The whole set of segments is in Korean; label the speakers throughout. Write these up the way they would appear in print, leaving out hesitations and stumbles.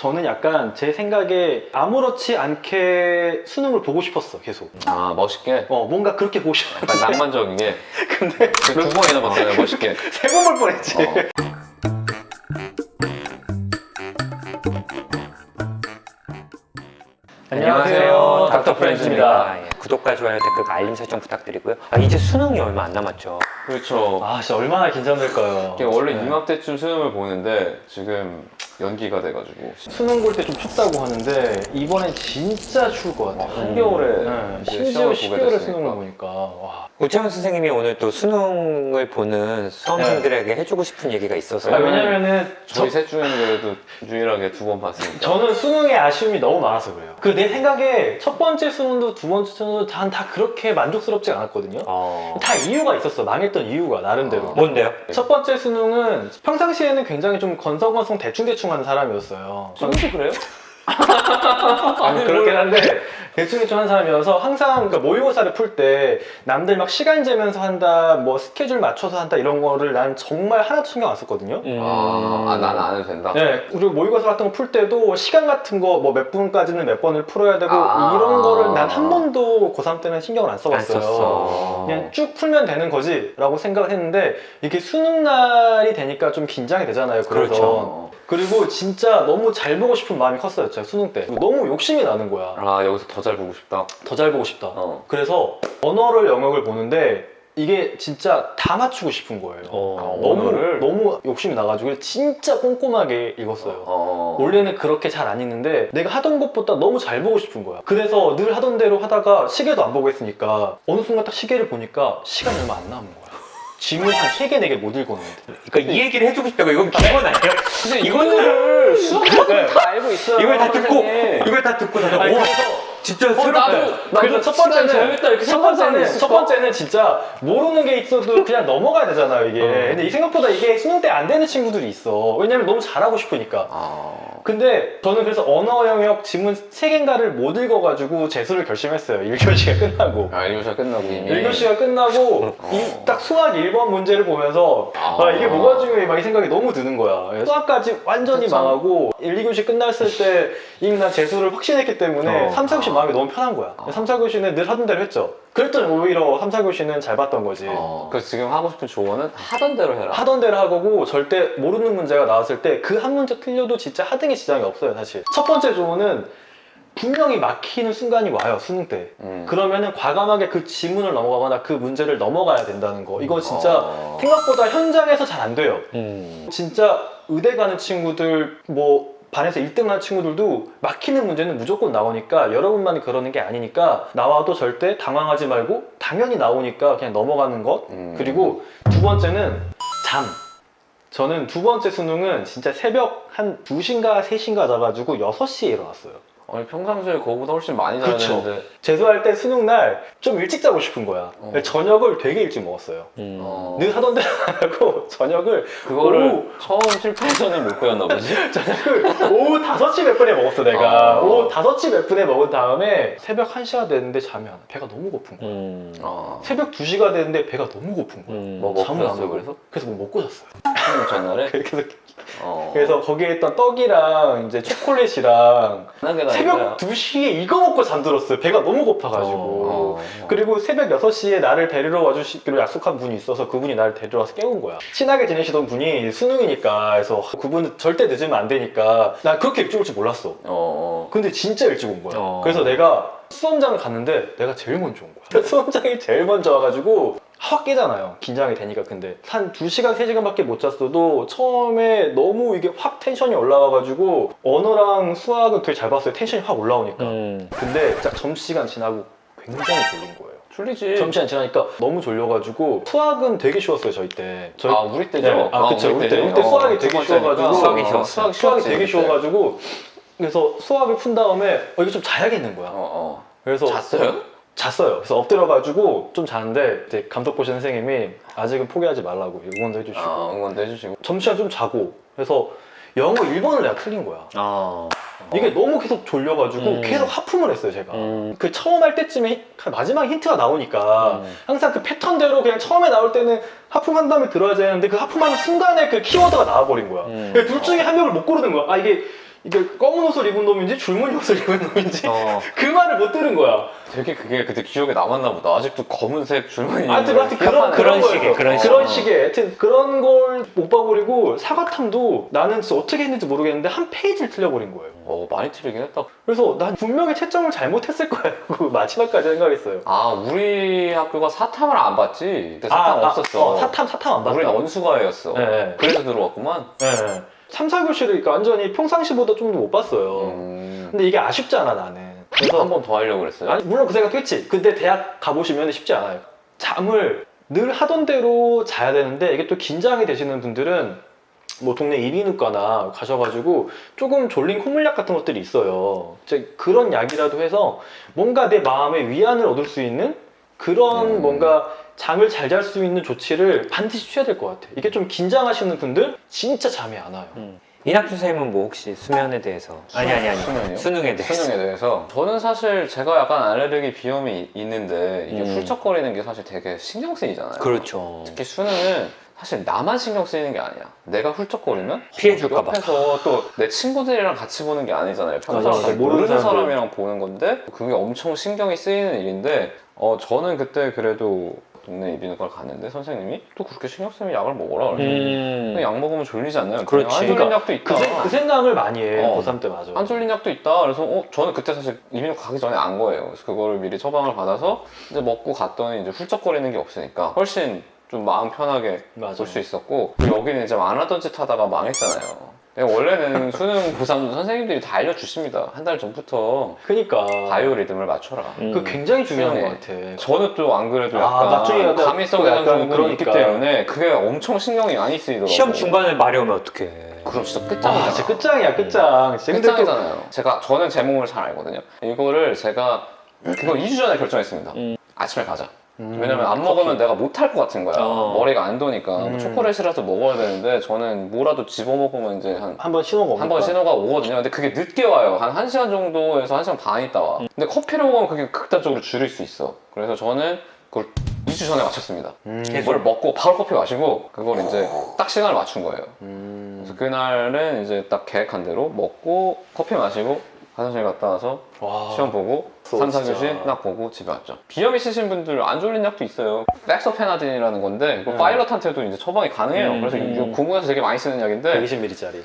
Speaker 1: 저는 약간 제 생각에 아무렇지 않게 수능을 보고 싶었어, 계속.
Speaker 2: 아, 멋있게?
Speaker 1: 뭔가 그렇게 보고 싶었는데.
Speaker 2: 약간 낭만적이게.
Speaker 1: 근데
Speaker 2: 두 번이나 봤잖아요, 멋있게.
Speaker 1: 세 번 볼 뻔했지. 안녕하세요, 닥터 프렌즈입니다.
Speaker 3: 예, 구독과 좋아요, 댓글, 알림 설정 부탁드리고요. 이제 수능이 얼마 안 남았죠.
Speaker 2: 그렇죠.
Speaker 1: 진짜 얼마나 긴장될까요?
Speaker 2: 이게 원래
Speaker 1: 네.
Speaker 2: 이맘때쯤 수능을 보는데 지금 연기가 돼가지고.
Speaker 1: 수능 볼 때 좀 춥다고 하는데 이번엔 진짜 추울 것 같아요.
Speaker 2: 한겨울에
Speaker 1: 네,
Speaker 2: 이제
Speaker 1: 심지어
Speaker 2: 시험을 보게
Speaker 1: 12월에
Speaker 2: 됐으니까.
Speaker 1: 수능을 보니까 와.
Speaker 3: 우채원 선생님이 오늘 또 수능을 보는 수험생들에게 해주고 싶은 얘기가 있어서
Speaker 1: 왜냐면은
Speaker 2: 저희 셋 중에는 그래도 유일하게 두 번 봤으니까.
Speaker 1: 저는 수능에 아쉬움이 너무 많아서 그래요. 그 내 생각에 첫 번째 수능도 두 번째 수능도 다 그렇게 만족스럽지 않았거든요. 다 이유가 있었어. 망했던 이유가 나름대로.
Speaker 3: 뭔데요?
Speaker 1: 첫 번째 수능은 평상시에는 굉장히 좀 건성건성 대충대충 하는 사람이었어요.
Speaker 2: 지금도 그래요?
Speaker 1: 그렇긴 한데 대충대충 하는 사람이어서 항상 그러니까 모의고사를 풀 때 남들 막 시간 재면서 한다, 뭐 스케줄 맞춰서 한다 이런 거를 난 정말 하나도 신경 안 썼거든요.
Speaker 2: 난 안 해도 된다?
Speaker 1: 네, 그리고 모의고사 같은 거 풀 때도 시간 같은 거 뭐 몇 분까지는 몇 번을 풀어야 되고 이런 거를 난 한 번도 고3 때는 신경을 안 써봤어요.
Speaker 3: 안 썼어.
Speaker 1: 그냥 쭉 풀면 되는 거지 라고 생각을 했는데 이게 수능 날이 되니까 좀 긴장이 되잖아요. 그래서.
Speaker 3: 그렇죠.
Speaker 1: 그리고 진짜 너무 잘 보고 싶은 마음이 컸어요. 제가 수능 때 너무 욕심이 나는 거야.
Speaker 2: 여기서 더 잘 보고 싶다.
Speaker 1: 더 잘 보고 싶다. 그래서 언어를 영역을 보는데 이게 진짜 다 맞추고 싶은 거예요. 너무 욕심이 나가지고 진짜 꼼꼼하게 읽었어요. 원래는 그렇게 잘 안 읽는데 내가 하던 것보다 너무 잘 보고 싶은 거야. 그래서 늘 하던 대로 하다가 시계도 안 보고 했으니까 어느 순간 딱 시계를 보니까 시간이 얼마 안 남은 거야. 지문 한 3개, 4개 못 읽었는데.
Speaker 3: 그러니까 이 얘기를 해주고 싶다고 이건 기본 아니에요?
Speaker 2: 근데 이거를 수학학은 다 알고 있어요.
Speaker 3: 이걸 다 듣고
Speaker 2: 선생님.
Speaker 3: 이걸 다 듣고 나서
Speaker 1: 아니,
Speaker 3: 오,
Speaker 1: 그래서
Speaker 3: 진짜 새롭다.
Speaker 1: 그래서 첫 번째는 진짜 모르는 게 있어도 그냥 넘어가야 되잖아요, 이게. 근데 이 생각보다 이게 수능 때 안 되는 친구들이 있어. 왜냐면 너무 잘하고 싶으니까. 근데 저는 그래서 언어 영역 지문 3개인가를 못 읽어가지고 재수를 결심했어요. 1교시가 끝나고.
Speaker 2: 1교시가 끝나고 이미.
Speaker 1: 1교시가 끝나고 딱 수학 1번 문제를 보면서 이게 뭐가 중요해 막 이 생각이 너무 드는 거야. 수학까지 완전히
Speaker 2: 그쵸.
Speaker 1: 망하고 1, 2교시 끝났을 때 이미 난 재수를 확신했기 때문에 3, 4교시 마음이 너무 편한 거야. 3, 4교시는 늘 하던 대로 했죠. 그랬더니 오히려 3, 4교시는 잘 봤던 거지.
Speaker 2: 그래서 지금 하고 싶은 조언은 하던 대로 해라.
Speaker 1: 하던 대로 하고 절대 모르는 문제가 나왔을 때 그 한 문제 틀려도 진짜 하등에 지장이 없어요, 사실. 첫 번째 조언은 분명히 막히는 순간이 와요, 수능 때. 그러면은 과감하게 그 지문을 넘어가거나 그 문제를 넘어가야 된다는 거. 이거 진짜 생각보다 현장에서 잘 안 돼요. 진짜 의대 가는 친구들, 뭐 반에서 1등 하는 친구들도 막히는 문제는 무조건 나오니까 여러분만이 그러는 게 아니니까 나와도 절대 당황하지 말고 당연히 나오니까 그냥 넘어가는 것. 그리고 두 번째는 잠. 저는 두 번째 수능은 진짜 새벽 한 2시인가 3시인가 자가지고 6시에 일어났어요.
Speaker 2: 아니 평상시에 그거보다 훨씬 많이 자야
Speaker 1: 그쵸.
Speaker 2: 되는데.
Speaker 1: 재수할 때 수능 날 좀 일찍 자고 싶은 거야. 저녁을 되게 일찍 먹었어요. 늘 하던 대로 안 하고 저녁을
Speaker 2: 그거를 처음 실패해서는 못 배웠나 보지?
Speaker 1: 저녁을 오후 5시 몇 분에 먹었어 내가. 오후 5시 몇 분에 먹은 다음에 새벽 1시가 됐는데 잠이 안 와. 배가 너무 고픈 거야. 새벽 2시가 됐는데 배가 너무 고픈 거야.
Speaker 2: 뭐 먹고
Speaker 1: 잠을 안
Speaker 2: 잤어요
Speaker 1: 먹고.
Speaker 2: 그래서?
Speaker 1: 뭐 먹고 잤어요.
Speaker 2: 수능 전날에?
Speaker 1: 그래서 거기에 있던 떡이랑 이제 초콜릿이랑
Speaker 2: 편하게
Speaker 1: 새벽 2시에 이거 먹고 잠들었어요. 배가 너무 고파가지고. 그리고 새벽 6시에 나를 데리러 와주시기로 약속한 분이 있어서 그분이 나를 데리러 와서 깨운 거야. 친하게 지내시던 분이 수능이니까 그래서 그분은 절대 늦으면 안 되니까 난 그렇게 일찍 올 줄 몰랐어. 근데 진짜 일찍 온 거야. 그래서 내가 수험장을 갔는데 내가 제일 먼저 온 거야. 수험장이 제일 먼저 와가지고 확 깨잖아요. 긴장이 되니까. 근데 한 2시간, 3시간밖에 못 잤어도 처음에 너무 이게 확 텐션이 올라와가지고 언어랑 수학은 되게 잘 봤어요. 텐션이 확 올라오니까. 근데 딱 점심시간 지나고 굉장히 졸린 거예요.
Speaker 2: 졸리지.
Speaker 1: 점심시간 지나니까 너무 졸려가지고 수학은 되게 쉬웠어요, 저희 때.
Speaker 2: 우리 때죠?
Speaker 1: 네. 그쵸. 우리 때 수학이 되게 쉬워가지고.
Speaker 3: 수학이 쉬웠어요.
Speaker 1: 수학이 되게 쉬워가지고. 그래서 수학을 푼 다음에 이거 좀 자야겠는 거야. 그래서
Speaker 2: 잤어요?
Speaker 1: 잤어요. 그래서 엎드려가지고 좀 자는데 이제 감독 보신 선생님이 아직은 포기하지 말라고 응원도 해주시고
Speaker 2: 응원도 해주시고
Speaker 1: 점심시간 좀 자고. 그래서 영어 1번을 내가 틀린 거야. 이게 너무 계속 졸려가지고 계속 하품을 했어요, 제가. 그 처음 할 때쯤에 마지막 힌트가 나오니까 항상 그 패턴대로 그냥 처음에 나올 때는 하품한 다음에 들어야 되는데 그 하품하는 순간에 그 키워드가 나와버린 거야. 둘 중에 한 명을 못 고르는 거야. 이게 이게 검은 옷을 입은 놈인지 줄무늬 옷을 입은 놈인지 그 말을 못 들은 거야.
Speaker 2: 되게 그게 그때 기억에 남았나 보다. 아직도 검은색 줄무늬.
Speaker 1: 하여튼
Speaker 3: 그런 식의,
Speaker 1: 그런 식의 하여튼 그런 걸 못 봐버리고 사과탐도 나는 진짜 어떻게 했는지 모르겠는데 한 페이지를 틀려버린 거예요.
Speaker 2: 많이 틀리긴 했다.
Speaker 1: 그래서 난 분명히 채점을 잘못했을 거야. 그 마지막까지 생각했어요.
Speaker 2: 우리 학교가 사탐을 안 봤지. 그때 사탐 없었어.
Speaker 1: 사탐 안 봤다.
Speaker 2: 우리는 언수과였어.
Speaker 1: 네.
Speaker 2: 그래서 들어왔구만.
Speaker 1: 네. 3, 4교시를 그러니까 완전히 평상시보다 좀 더 못 봤어요. 근데 이게 아쉽잖아 나는. 그래서
Speaker 2: 한 번 더 하려고 그랬어요?
Speaker 1: 아니, 물론 그 생각도 했지. 근데 대학 가보시면 쉽지 않아요. 잠을 늘 하던 대로 자야 되는데 이게 또 긴장이 되시는 분들은 뭐 동네 이비인후과나 가셔가지고 조금 졸린 콧물약 같은 것들이 있어요. 이제 그런 약이라도 해서 뭔가 내 마음의 위안을 얻을 수 있는 그런 뭔가 잠을 잘 잘 수 있는 조치를 반드시 취해야 될 것 같아. 이게 좀 긴장하시는 분들 진짜 잠이 안 와요.
Speaker 3: 이낙준 선생님은 뭐 혹시 수면에 대해서 아니
Speaker 2: 수면이요?
Speaker 3: 수능에 대해서
Speaker 2: 수능에 대해서 저는 사실 제가 약간 알레르기 비염이 있는데 이게 훌쩍거리는 게 사실 되게 신경 쓰이잖아요.
Speaker 3: 그렇죠.
Speaker 2: 특히 수능은 사실 나만 신경 쓰이는 게 아니야. 내가 훌쩍거리면
Speaker 3: 피해줄까 봐.
Speaker 2: 옆에서 또 내 친구들이랑 같이 보는 게 아니잖아요. 평소랑
Speaker 1: 맞아.
Speaker 2: 모르는
Speaker 1: 사람들.
Speaker 2: 사람이랑 보는 건데 그게 엄청 신경이 쓰이는 일인데 저는 그때 그래도 동네 이비인후과를 갔는데 선생님이 또 그렇게 신경 쓰면 약을 먹어라 그래서 그냥 약 먹으면 졸리지 않나요?
Speaker 3: 그렇지.
Speaker 2: 안 졸린 약도 있다.
Speaker 1: 그 생각을 많이 해.
Speaker 2: 어.
Speaker 1: 고3 때 맞아.
Speaker 2: 안 졸린 약도 있다. 그래서 저는 그때 사실 이비인후과 가기 전에 안 거예요. 그래서 그거를 미리 처방을 받아서 이제 먹고 갔더니 이제 훌쩍거리는 게 없으니까 훨씬 좀 마음 편하게
Speaker 1: 맞아.
Speaker 2: 볼 수 있었고 그리고 여기는 이제 안 하던 짓 하다가 망했잖아요. 원래는 수능 고3 선생님들이 다 알려주십니다. 한 달 전부터
Speaker 1: 그러니까
Speaker 2: 바이오 리듬을 맞춰라.
Speaker 1: 그 굉장히 중요한
Speaker 2: 수능에.
Speaker 1: 것 같아.
Speaker 2: 저는 또 안 그래도
Speaker 1: 아, 나중에
Speaker 2: 약간
Speaker 1: 약간
Speaker 2: 감이성
Speaker 1: 또
Speaker 2: 대장
Speaker 1: 약간
Speaker 2: 증후군이 있기
Speaker 1: 그러니까.
Speaker 2: 때문에 그게 엄청 신경이 많이 쓰이더라고요.
Speaker 3: 시험 중간에 마려우면 어떡해.
Speaker 2: 그럼 진짜 끝장이잖아.
Speaker 1: 진짜 끝장이야 끝장. 진짜 근데 또
Speaker 2: 끝장이잖아요. 저는 제 몸을 잘 알거든요. 이거를 제가 그거 2주 전에 결정했습니다. 아침에 가자. 왜냐면 안 먹으면 내가 못할 것 같은 거야. 머리가 안 도니까. 뭐 초콜릿이라도 먹어야 되는데 저는 뭐라도 집어먹으면 이제
Speaker 1: 한번 신호가
Speaker 2: 한 번 신호가 오거든요. 근데 그게 늦게 와요. 한 1시간 정도에서 1시간 반 있다 와. 근데 커피를 먹으면 그게 극단적으로 줄일 수 있어. 그래서 저는 그걸 2주 전에 맞췄습니다. 그걸 먹고 바로 커피 마시고 그걸 이제 딱 시간을 맞춘 거예요. 그래서 그날은 이제 딱 계획한 대로 먹고 커피 마시고 화장실 갔다 와서 시험 보고 3, 4교시 딱 보고 집에 왔죠. 비염 있으신 분들 안 졸린 약도 있어요. 렉서페나딘이라는 건데 이거 파일럿한테도 이제 처방이 가능해요. 그래서 이거 공무원에서 되게 많이 쓰는 약인데
Speaker 1: 120ml짜리.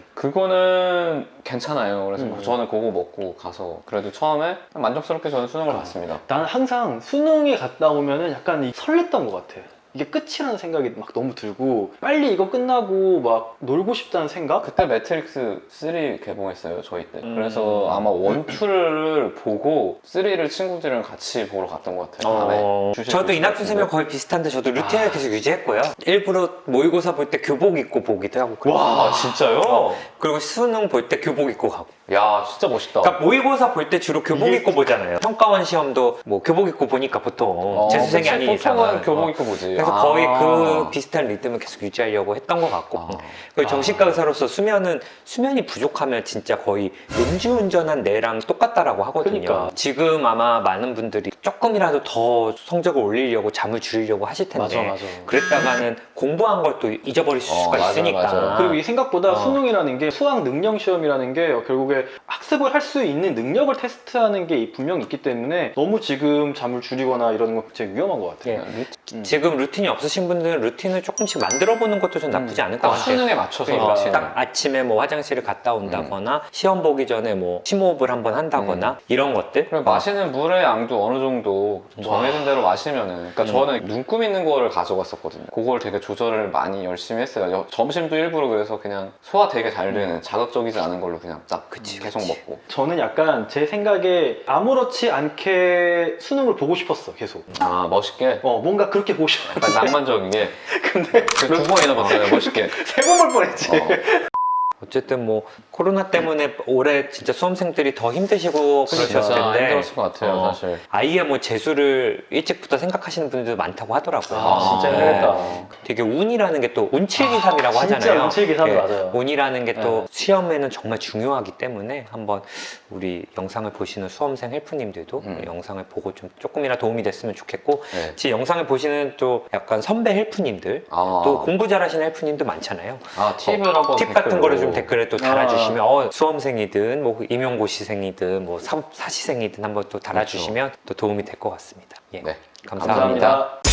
Speaker 2: 그거는 괜찮아요. 그래서 저는 그거 먹고 가서 그래도 처음에 만족스럽게 저는 수능을 봤습니다.
Speaker 1: 나는 항상 수능에 갔다 오면은 약간 설렜던 것 같아. 이게 끝이라는 생각이 막 너무 들고 빨리 이거 끝나고 막 놀고 싶다는 생각?
Speaker 2: 그때 매트릭스 3 개봉했어요 저희 때. 그래서 아마 1, 2를 보고 3를 친구들이랑 같이 보러 갔던 것 같아요. 밤에.
Speaker 3: 저도 이낙준 선생님 거의 비슷한데 저도 루틴을 계속 유지했고요. 일부러 모의고사 볼 때 교복 입고 보기도 하고 그래요.
Speaker 2: 와 진짜요?
Speaker 3: 그리고 수능 볼 때 교복 입고 가고.
Speaker 2: 야 진짜 멋있다.
Speaker 3: 그러니까 모의고사 볼 때 주로 교복 입고 보잖아요. 평가원 시험도 뭐 교복 입고 보니까 보통 재수생이 아닌 이상은
Speaker 2: 보통은 교복 입고 보지.
Speaker 3: 그래서 거의 그 비슷한 리듬을 계속 유지하려고 했던 것 같고 그리고 정신과 의사로서 수면이 부족하면 진짜 거의 음주운전한 뇌랑 똑같다라고 하거든요.
Speaker 1: 그러니까.
Speaker 3: 지금 아마 많은 분들이 조금이라도 더 성적을 올리려고 잠을 줄이려고 하실 텐데
Speaker 1: 맞아.
Speaker 3: 그랬다가는 공부한 걸 또 잊어버릴 수가
Speaker 2: 맞아,
Speaker 3: 있으니까
Speaker 2: 맞아.
Speaker 1: 그리고 이 생각보다 수능이라는 게 수학 능력 시험이라는 게 결국에 학습을 할 수 있는 능력을 테스트하는 게 분명히 있기 때문에 너무 지금 잠을 줄이거나 이러는 건 굉장히 위험한 것 같아요.
Speaker 3: 지금 루틴이 없으신 분들은 루틴을 조금씩 만들어 보는 것도 좀 나쁘지 않을 것 같아요.
Speaker 2: 수능에 맞춰서
Speaker 3: 그러니까
Speaker 2: 루틴을.
Speaker 3: 딱 아침에 뭐 화장실을 갔다 온다거나 시험 보기 전에 뭐 심호흡을 한번 한다거나 이런 것들.
Speaker 2: 그리고 마시는 물의 양도 어느 정도 정해진 대로 마시면은 그러니까 저는 눈금 있는 거를 가져갔었거든요. 그걸 되게 조절을 많이 열심히 했어요. 점심도 일부러 그래서 그냥 소화 되게 잘 되는 자극적이지 않은 걸로 그냥 딱 계속 먹고.
Speaker 1: 저는 약간 제 생각에 아무렇지 않게 수능을 보고 싶었어 계속.
Speaker 2: 아 멋있게?
Speaker 1: 뭔가 그렇게 보고 싶어.
Speaker 2: 약간 낭만적이게.
Speaker 1: 근데
Speaker 2: 두 번이나 봤잖아요 멋있게.
Speaker 1: 세 번 볼 뻔했지.
Speaker 3: 어쨌든 뭐 코로나 때문에 올해 진짜 수험생들이 더 힘드시고 그러셨을
Speaker 2: 진짜
Speaker 3: 텐데
Speaker 2: 힘들었을 것 같아요 사실.
Speaker 3: 아예 뭐 재수를 일찍부터 생각하시는 분들도 많다고 하더라고요.
Speaker 1: 진짜 힘들겠다.
Speaker 3: 되게 운이라는 게 또 운칠기삼이라고
Speaker 1: 진짜
Speaker 3: 하잖아요.
Speaker 1: 운칠기삼
Speaker 3: 예,
Speaker 1: 맞아요.
Speaker 3: 운이라는 게 또 시험에는 정말 중요하기 때문에 한번 우리 영상을 보시는 수험생 헬프님들도 영상을 보고 좀 조금이나 도움이 됐으면 좋겠고 제 영상을 보시는 또 약간 선배 헬프님들 또 공부 잘하시는 헬프님도 많잖아요.
Speaker 2: 팁을 한번
Speaker 3: 팁 같은 거를 좀 좀 댓글에 또 달아주시면 수험생이든 뭐 임용고시생이든 뭐 사시생이든 한번 또 달아주시면 또 도움이 될 것 같습니다. 예.
Speaker 2: 네.
Speaker 3: 감사합니다.
Speaker 1: 감사합니다.